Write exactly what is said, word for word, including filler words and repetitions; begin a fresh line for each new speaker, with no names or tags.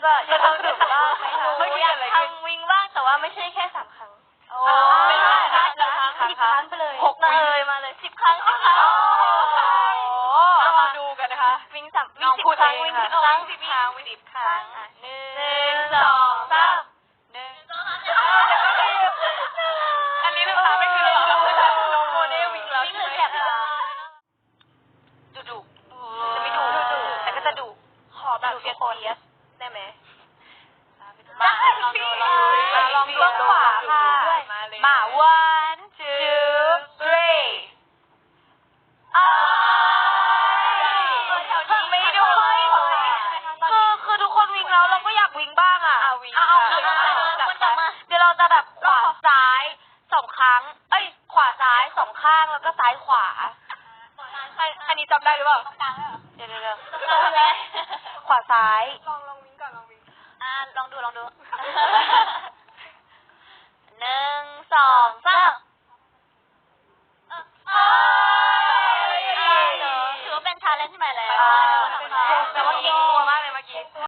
จะจะทำถึงบ้างไหมคะไม่อยากทำวิ่งบ้างแต่ว่าไม่ใช่แค่สามครั้งโอ้ไม่ใช่นะสิบครั้งสิบครั้งไปเลยหกเลยมาเลยสิบครั้งสิบครั้งเรามาดูกันนะคะวิ่งสามวิ่งสิบครั้งวิ่งสิบครั้งสิบครั้งวิ่งสิบครั้งหนึ่งสองสามหนึ่งสองสามอันนี้นะคะไม่คือเราน้องโมเดลวิ่งแล้วใช่ไหมดุดุจะไม่ดุแต่ก็จะดุขอแบบเฟียสได้ไหมมาลองดูลองดูลองดูขวาค่ะมา one two three อ้าวไม่ด้วยคือคือทุกคนวิ่งแล้วเราก็อยากวิ่งบ้างอ่ะเอาเอาเดี๋ยวเราจะแบบขวาซ้ายสองครั้งเอ้ยขวาซ้ายสองข้างแล้วก็ซ้ายขวาอันนี้จำได้หรือเปล่าเดี๋ยวเดี๋ยวขวาซ้ายลองลองวิ่งก่อนลองวิ่งอ่าลองดูลองดูหนึ่งสองสามถือว่าเป็นชาเลนจ์ใหม่แล้วแต่ว่าเก่งตัวมากเลยเมื่อกี้